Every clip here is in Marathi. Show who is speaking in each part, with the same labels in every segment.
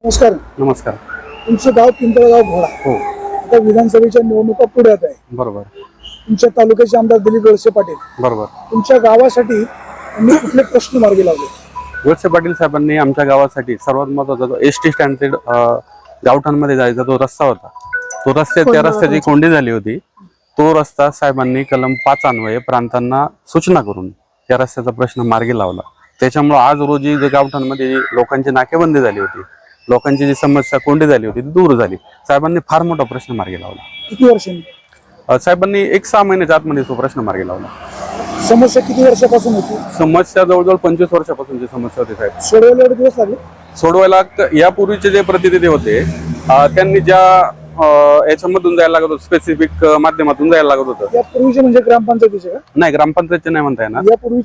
Speaker 1: नमस्कार.
Speaker 2: नमस्कार.
Speaker 1: तुमचं गाव पिंपळगाव घोडा.
Speaker 2: हो,
Speaker 1: आता विधानसभेच्या निवडणुका पुढ्यात आहे.
Speaker 2: बरोबर
Speaker 1: तुमच्या तालुक्याचे आमदार दिलीप वळसे पाटील
Speaker 2: बरोबर.
Speaker 1: तुमच्या गावासाठी त्यांनी कुठले प्रश्न मार्गी लावले?
Speaker 2: वळसे पाटील साहेबांनी आमच्या गावासाठी सर्वात महत्त्वाचा जो एसटी स्टँड गावठाणमध्ये जायचा जो रस्ता होता, तो त्या रस्त्याची कोंडी झाली होती. तो रस्ता साहेबांनी कलम 5 अन्वये प्रांतांना सूचना करून त्या रस्त्याचा प्रश्न मार्गी लावला. त्याच्यामुळे आज रोजी जे गावठाणमध्ये लोकांची नाकेबंदी झाली होती, लोकांची जी समस्या कोंडी झाली होती ती दूर झाली. साहेबांनी फार मोठा प्रश्न मार्गी लावला.
Speaker 1: किती वर्षांनी?
Speaker 2: साहेबांनी 1-6 महिन्याच्या आतमध्ये तो प्रश्न मार्गी लावला.
Speaker 1: समस्या किती वर्षापासून होती?
Speaker 2: समस्या जवळजवळ 25 वर्षापासूनची समस्या होती साहेब.
Speaker 1: सोडवायला एवढे दिवस लागले?
Speaker 2: सोडवायला यापूर्वीचे जे प्रतिनिधी होते त्यांनी ज्या याच्यामधून जायला लागत होतं, स्पेसिफिक माध्यमातून जायला लागत होतं.
Speaker 1: यापूर्वीचे म्हणजे ग्रामपंचायतीचे का?
Speaker 2: नाही, ग्रामपंचायतचे नाही म्हणता येणार.
Speaker 1: यापूर्वी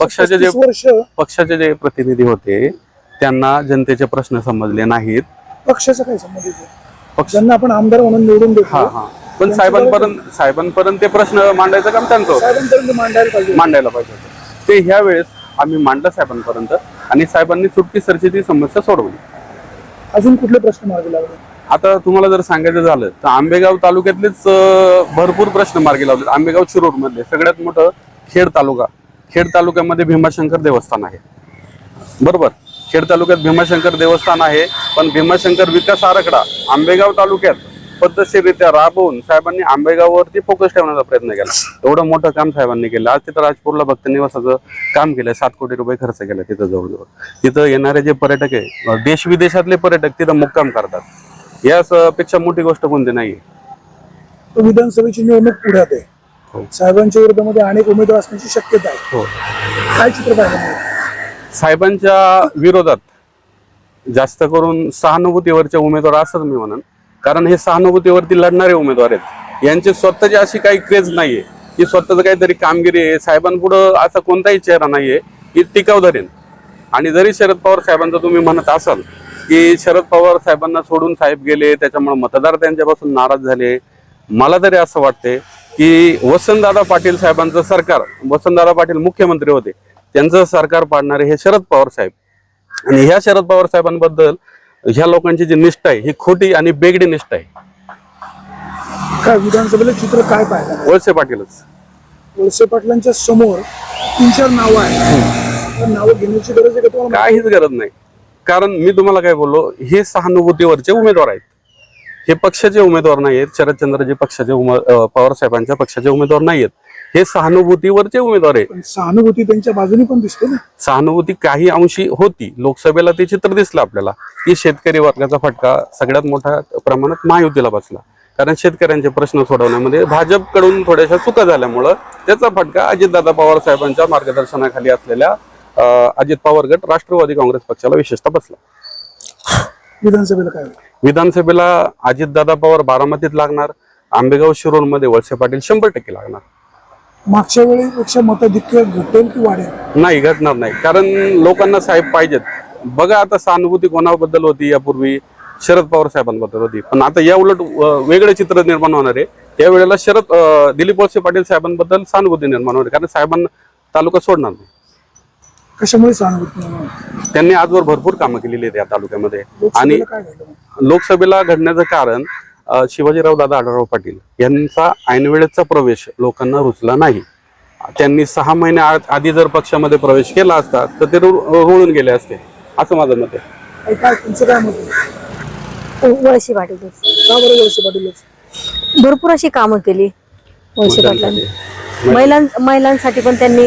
Speaker 2: पक्षाचे जे प्रतिनिधी होते त्यांना जनतेचे प्रश्न समजले नाहीत.
Speaker 1: पक्षाचा काय संबंध आहे? पक्षांना आपण आमदार म्हणून निवडून देतो,
Speaker 2: पण साहेबांपर्यंत ते प्रश्न मांडायचं काम त्यांचं होतं.
Speaker 1: साहेबांपर्यंत
Speaker 2: मांडायला पाहिजे होतं. ते ह्या वेळेस आम्ही मांडलं साहेबांपर्यंत आणि साहेबांनी चुटकी सरची ती समस्या सोडवली.
Speaker 1: अजून कुठले प्रश्न मार्गी लावले?
Speaker 2: आता तुम्हाला जर सांगायचं झालं तर आंबेगाव तालुक्यातलेच भरपूर प्रश्न मार्गी लावले. आंबेगाव शिरूर मध्ये सगळ्यात मोठं खेड तालुक्यामध्ये भीमाशंकर देवस्थान आहे. बरोबर, खेड तालुक्यात भीमाशंकर देवस्थान आहे, पण भीमाशंकर विकास आराखडा आंबेगाव तालुक्यात पद्धतशीररित्या राबवून साहेबांनी आंबेगाववरती फोकस ठेवण्याचा प्रयत्न केला. एवढं मोठं काम साहेबांनी केलं. आज तिथं राजपूरला भक्त निवासाचं काम केलं. 7 कोटी रुपये खर्च केला तिथं. जवळजवळ तिथं येणारे जे पर्यटक आहे, देश विदेशातले पर्यटक तिथं मुक्काम करतात. यापेक्षा मोठी गोष्ट कोणती नाहीये.
Speaker 1: विधानसभेची निवडणूक पुढ्यात आहे.
Speaker 2: हो.
Speaker 1: साहेबांच्या विरोधामध्ये अनेक उमेदवार असण्याची शक्यता आहे.
Speaker 2: हो.
Speaker 1: काय चित्र पाहिलं?
Speaker 2: साहेबांच्या विरोधात जास्त करून सहानुभूतीवरचे उमेदवार असंच मी म्हणन, कारण हे सहानुभूतीवरती लढणारे उमेदवार आहेत. यांची स्वतःची अशी काही क्रेज नाहीये की स्वतःच काहीतरी कामगिरी आहे. साहेबांपुढं असा कोणताही चेहरा नाहीये की टिकाव धरेन. आणि जरी शरद पवार साहेबांचं तुम्ही म्हणत असाल की शरद पवार साहेबांना सोडून साहेब गेले, त्याच्यामुळे मतदार त्यांच्यापासून नाराज झाले, मला तरी असं वाटते की वसंतदादा पाटील साहेबांचं सरकार, वसंतदादा पाटील मुख्यमंत्री होते, त्यांचं सरकार पाडणारे हे शरद पवार साहेब. आणि ह्या शरद पवार साहेबांबद्दल ह्या लोकांची जी निष्ठा आहे ही खोटी आणि बेगडी निष्ठा आहे.
Speaker 1: काय विधानसभेला चित्र काय पाहिलं?
Speaker 2: वळसे पाटीलच.
Speaker 1: वळसे पाटलांच्या समोर 3-4 नावं आहेत. नावं घेण्याची गरज आहे का तुम्हाला?
Speaker 2: काहीच गरज नाही. कारण मी तुम्हाला काय बोललो, हे सहानुभूतीवरचे उमेदवार आहेत. हे पक्षाचे उमेदवार नाही आहेत. शरदचंद्रजी पक्षाचे पवार साहेबांच्या पक्षाचे उमेदवार नाही आहेत. हे सहानुभूतीवरचे उमेदवार आहेत.
Speaker 1: सहानुभूती त्यांच्या बाजूने पण दिसते ना.
Speaker 2: सहानुभूती काही अंशी होती. लोकसभेला ते चित्र दिसलं आपल्याला की शेतकरी वर्गाचा फटका सगळ्यात मोठ्या प्रमाणात महायुतीला बसला. कारण शेतकऱ्यांचे प्रश्न सोडवण्यामध्ये भाजपकडून थोड्याशा चुका झाल्यामुळं त्याचा फटका अजितदादा पवार साहेबांच्या मार्गदर्शनाखाली असलेल्या अजित पवार गट राष्ट्रवादी काँग्रेस पक्षाला विशेषतः बसला.
Speaker 1: विधानसभेला काय?
Speaker 2: विधानसभेला अजितदादा पवार बारामतीत लागणार. आंबेगाव शिरूर मध्ये वळसे पाटील 100% लागणार.
Speaker 1: मागच्या वेळेपेक्षा मताधिक्य घटेल की वाढेल?
Speaker 2: नाही, घटणार नाही. कारण लोकांना साहेब पाहिजेत. बघा, आता सहानुभूती कोणाबद्दल होती यापूर्वी? शरद पवार साहेबांबद्दल होती. पण आता या उलट वेगळे चित्र निर्माण होणार आहे. त्यावेळेला दिलीप वळसे पाटील साहेबांबद्दल सहानुभूती निर्माण होणार, कारण साहेबांना तालुका सोडणार नाही.
Speaker 1: कशामुळे सहानुभूती?
Speaker 2: त्यांनी आजवर भरपूर कामं केलेली आहेत या तालुक्यामध्ये. आणि
Speaker 1: काय झालं?
Speaker 2: लोकसभेला घडण्याचं कारण शिवाजीराव दादा आढळराव पाटील यांचा ऐनवेळेचा प्रवेश लोकांना रुचला नाही. त्यांनी 6 महिने आधी जर पक्षामध्ये प्रवेश केला असता तर ते रुळून गेले असते, असं माझं मत आहे.
Speaker 1: काय तुमचं काय मत आहे?
Speaker 3: वळसे पाटीलच.
Speaker 1: का बरं वळसे पाटीलच?
Speaker 3: भरपूर अशी कामं केली वळसे पाटलांनी. महिलांसाठी पण त्यांनी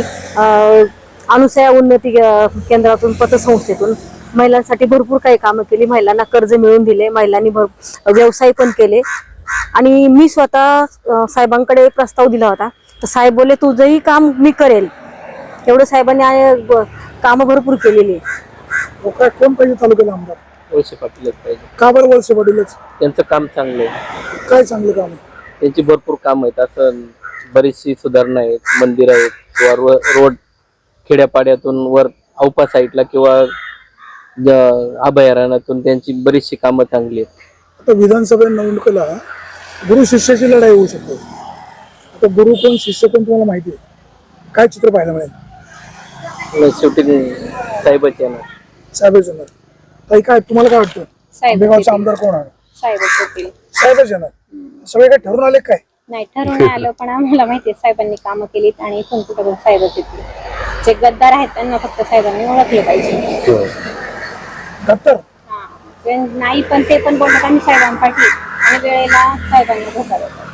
Speaker 3: अनुसया उन्नती केंद्रातून, पतसंस्थेतून महिलांसाठी भरपूर काही कामं केली. महिलांना कर्ज मिळवून दिले. महिलांनी व्यवसाय पण केले. आणि मी स्वतः साहेबांकडे प्रस्ताव दिला होता, तर साहेब बोलले तुझंही काम मी करेल. एवढं साहेबांनी कामं भरपूर केलेली.
Speaker 1: काय कोण पाहिजे तालुक्याला आमदार?
Speaker 4: वळसे पाटीलच पाहिजे.
Speaker 1: का बरं वळसे पाटीलच?
Speaker 4: त्यांचं काम चांगलं आहे.
Speaker 1: काय चांगलं काम आहे?
Speaker 4: त्यांची भरपूर काम आहेत. असं बरीचशी सुधारणा आहेत, मंदिर आहेत किंवा रोड खेड्यापाड्यातून वर औपा साईडला किंवा अभयारण्यातून त्यांची बरीचशी कामं चांगली आहेत.
Speaker 1: आता विधानसभा निवडणुकीला गुरु शिष्याची लढाई होऊ शकते. आता गुरु कोण शिष्य कोण तुम्हाला माहिती आहे? काय चित्र पाहायला मिळेल?
Speaker 4: शेवटी साहेबच येणार.
Speaker 1: साहेबच येणार. काय तुम्हाला काय वाटतं? आंबेगावचा आमदार कोण आहे?
Speaker 5: साहेबच होतील.
Speaker 1: साहेबच येणार. सगळे काय ठरून आले काय?
Speaker 5: नाही ठरवून आलं, पण आम्हाला माहितीये साहेबांनी कामं केलीत आणि इथून कुठं साहेबच येतील. जे गद्दार आहेत त्यांना फक्त साहेबांनी ओळखले पाहिजे.
Speaker 1: दत्तर
Speaker 5: हा नाही, पण ते पण बोलतात आम्ही साहेबांपाठी आणि वेळेला साहेबांना धोका देतात.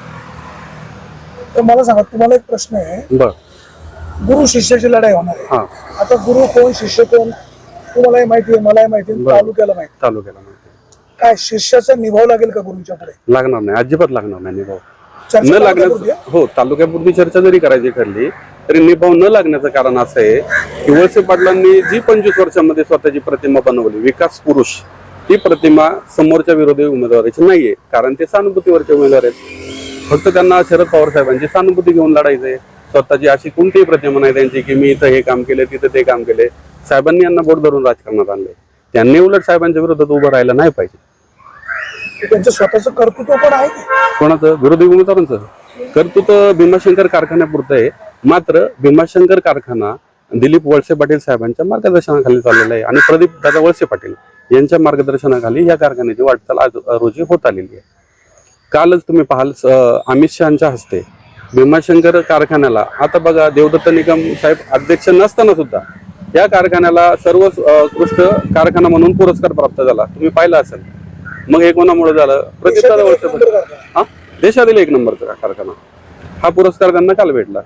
Speaker 1: तर मला सांगा, तुम्हाला एक प्रश्न आहे.
Speaker 2: बर.
Speaker 1: गुरु शिष्याची लढाई होणार आहे.
Speaker 2: हा.
Speaker 1: आता गुरु कोण शिष्य कोण तुम्हालाही माहिती आहे, मलाही माहिती आहे, तालुक्याला माहिती आहे.
Speaker 2: तालुक्याला
Speaker 1: काय शिष्याचा निभाव लागेल का गुरुच्या पुढे?
Speaker 2: लागणार नाही, अजिबात लागणार नाही निभाव.
Speaker 1: चर्चा
Speaker 2: न
Speaker 1: तालुक्यापुरती
Speaker 2: लागण्याचं,
Speaker 1: आहे?
Speaker 2: हो, तालुक्यापुरती चर्चा जरी करायची ठरली तरी निभाव न लागण्याचं कारण असं आहे की वळसे पाटलांनी जी 25 वर्षांमध्ये स्वतःची प्रतिमा बनवली, विकास पुरुष, ती प्रतिमा समोरच्या विरोधी उमेदवाराची नाहीये. कारण ते सहानुभूतीवरचे उमेदवार आहेत. फक्त त्यांना शरद पवार साहेबांची सहानुभूती घेऊन लढायचंय. स्वतःची अशी कोणतीही प्रतिमा नाही त्यांची की मी इथं हे काम केले, तिथं ते काम केले. साहेबांनी यांना बोट धरून राजकारणात आणले. त्यांनी उलट साहेबांच्या विरोधात उभं राहायला नाही पाहिजे.
Speaker 1: त्यांचं स्वतःचं कर्तृत्व पण आहे की?
Speaker 2: कोणाचं? विरोधी उमेदवारांचं कर्तृत्व भीमाशंकर कारखान्यापुरतं आहे. मात्र भीमाशंकर कारखाना दिलीप वळसे पाटील साहेबांच्या मार्गदर्शनाखाली चाललेला आहे आणि प्रदीप दादा वळसे पाटील यांच्या मार्गदर्शनाखाली या कारखान्याची वाटचाल आज रोजी होत आलेली आहे. कालच तुम्ही पाहाल अमित शहाच्या हस्ते भीमाशंकर कारखान्याला, आता बघा, देवदत्त निकम साहेब अध्यक्ष नसताना सुद्धा या कारखान्याला सर्वोत्कृष्ट कारखाना म्हणून पुरस्कार प्राप्त झाला. तुम्ही पाहिला असेल. मग हे कोणामुळे झालं? प्रदीप दादा वळसे पाटील. हा, देशातील 1 नंबरचा कारखाना. हा पुरस्कार त्यांना काल भेटला.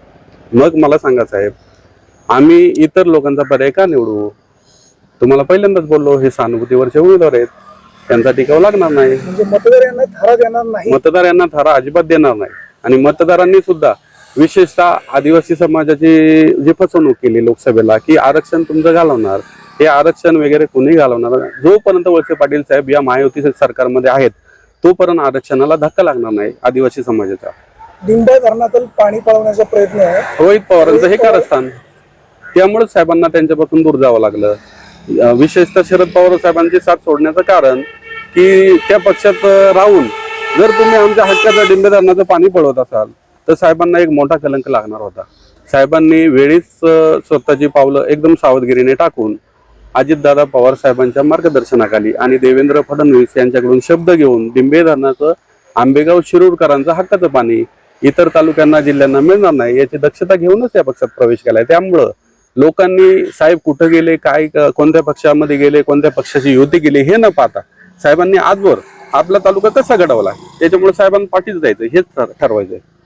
Speaker 2: मग मला सांगा साहेब, आम्ही इतर लोकांचा पर्याय का निवडू? तुम्हाला पहिल्यांदाच बोललो, हे सहानुभूतीवरचे उमेदवार आहेत, त्यांचा टिकाव लागणार नाही.
Speaker 1: म्हणजे मतदार यांना थारा देणार नाही.
Speaker 2: मतदार यांना थारा अजिबात देणार नाही. आणि मतदारांनी सुद्धा विशेषतः आदिवासी समाजाची जी फसवणूक केली लोकसभेला की आरक्षण तुमचं घालवणार, हे आरक्षण वगैरे कोणी घालवणार नाही. जोपर्यंत वळसे पाटील साहेब या महायुती सरकारमध्ये आहेत तोपर्यंत आरक्षणाला धक्का लागणार नाही आदिवासी समाजाचा.
Speaker 1: डिंबा धरणातील पाणी पळवण्याचा प्रयत्न आहे
Speaker 2: रोहित पवारांचं हे कारस्थान. त्यामुळे साहेबांना त्यांच्यापासून दूर जावं लागलं. विशेषतः शरद पवार साहेबांची साथ सोडण्याचं कारण की त्या पक्षात राहून जर तुम्ही आमच्या हक्काचं डिंबे धरणाचं पाणी पळवत असाल तर साहेबांना एक मोठा कलंक लागणार होता. साहेबांनी वेळीच स्वतःची पावलं एकदम सावधगिरीने टाकून अजितदादा पवार साहेबांच्या मार्गदर्शनाखाली आणि देवेंद्र फडणवीस यांच्याकडून शब्द घेऊन डिंबे धरणाचं आंबेगाव शिरूरकरांचं हक्काचं पाणी इतर तालुक्यांना, जिल्ह्यांना मिळणार नाही याची दक्षता घेऊनच या पक्षात प्रवेश केलाय. त्यामुळं लोकांनी साहेब कुठं गेले, काय, कोणत्या पक्षामध्ये गेले, कोणत्या पक्षाची युती केली हे न पाहता साहेबांनी आजवर आपला तालुका कसा घडवला, त्याच्यामुळे साहेबांना पाठीच जायचं हेच ठरवायचंय.